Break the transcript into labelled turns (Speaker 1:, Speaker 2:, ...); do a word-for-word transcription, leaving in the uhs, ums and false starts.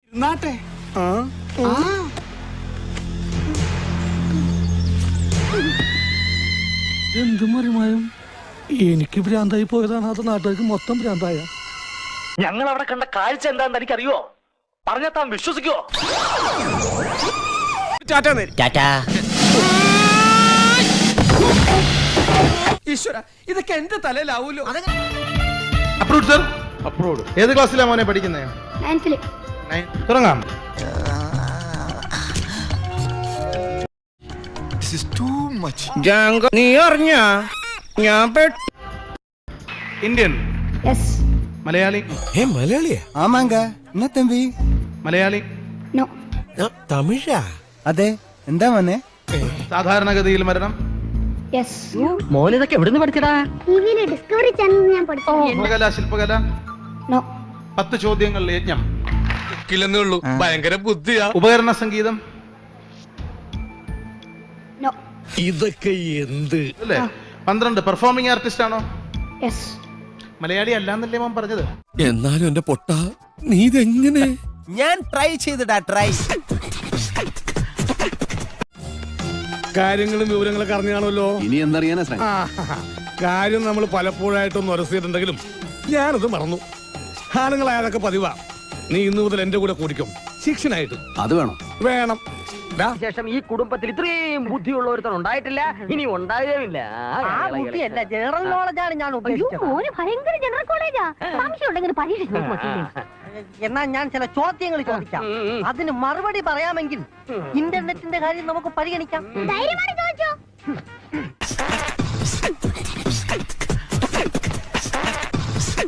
Speaker 1: നാട്ടെ
Speaker 2: എന്തും മറിമായും എനിക്ക് ഭ്രാന്തായി പോയതാണ്, അത് നാട്ടുകാർക്ക് മൊത്തം ഭ്രാന്തായ.
Speaker 3: ഞങ്ങൾ അവിടെ കണ്ട കാഴ്ച എന്താന്ന് എനിക്കറിയോ? പറഞ്ഞാൽ താൻ വിശ്വസിക്കോ?
Speaker 1: ഈശ്വര, ഇതൊക്കെ എന്റെ തലയിലാവൂലോ.
Speaker 4: Approve sir, approve. ഏത് ക്ലാസ്സിലാ മോനെ പഠിക്കുന്നത്?
Speaker 5: നയൻത്തില്.
Speaker 4: തുടങ്ങാം.
Speaker 6: നീ അറിഞ്ഞ ഞാൻ
Speaker 4: ഇന്ത്യൻ,
Speaker 5: യെസ്.
Speaker 4: മലയാളി,
Speaker 6: മലയാളിയാ?
Speaker 7: ஆமாங்க. என்ன தம்பி?
Speaker 4: മലയാളി,
Speaker 5: നോ.
Speaker 6: തമിഴാ?
Speaker 7: അതെ, എന്താ മോനെ?
Speaker 4: സാധാരണഗതിയിൽ മരണം,
Speaker 5: യെസ്.
Speaker 3: മോൻ ഇതൊക്കെ എവിടുന്ന് പഠിച്ചടാ?
Speaker 5: ടിവിയിലെ ഡിസ്കവറി ചാനൽ ഞാൻ പഠിച്ചു.
Speaker 4: ശില്പകല, ശില്പകല.
Speaker 5: നോ.
Speaker 4: പത്ത് ചോദ്യങ്ങൾ യജ്ഞം.
Speaker 6: ഉള്ളൂ, ഭയങ്കര ബുദ്ധിയാ.
Speaker 4: ഉപകരണ സംഗീതം
Speaker 5: നോ.
Speaker 6: ഇതൊക്കെ എന്ത്?
Speaker 4: അല്ലേ? പന്ത്രണ്ട് പെർഫോമിംഗ് ആർട്ടിസ്റ്റ് ആണോ?
Speaker 5: യെസ്.
Speaker 4: മലയാളി അല്ലാന്നല്ലേ മോൻ പറഞ്ഞത്?
Speaker 6: എന്നാലും എന്റെ പൊട്ട, നീ ഇതെങ്ങനെ?
Speaker 7: ഞാൻ ട്രൈ ചെയ്തിടാ, ട്രൈ.
Speaker 2: കാര്യങ്ങളും വിവരങ്ങളൊക്കെ അറിഞ്ഞാണല്ലോ.
Speaker 1: ഇനി എന്തറിയാനാ ശ്രമം?
Speaker 2: കാര്യം നമ്മൾ പലപ്പോഴായിട്ടൊന്ന് ഉരസിയിട്ടുണ്ടെങ്കിലും ഞാനത് മറന്നു. ആണുങ്ങളായതൊക്കെ പതിവാ. നീ ഇന്നു മുതൽ എന്റെ കൂടെ കൂടിക്കും, ശിക്ഷനായിട്ട്.
Speaker 1: അത് വേണം
Speaker 2: വേണം.
Speaker 3: ശേഷം ഈ കുടുംബത്തിൽ ഇത്രയും ബുദ്ധിയുള്ള ഒരുത്തൻ ഉണ്ടായിട്ടില്ല, ഇനി ഉണ്ടാകുകയില്ല.
Speaker 8: ജനറൽ നോളജാണ് ഞാൻ
Speaker 5: ഭയങ്കര ജനറൽ കോളേജാ. സംശയം ഉണ്ടെങ്കിൽ പരീക്ഷ
Speaker 8: എന്നാ ഞാൻ ചില ചോദ്യങ്ങൾ ചോദിക്കാം, അതിന് മറുപടി പറയാമെങ്കിൽ ഇന്റർനെറ്റിന്റെ കാര്യം നമുക്ക് പരിഗണിക്കാം.
Speaker 5: ധൈര്യമായി ചോദിച്ചോ.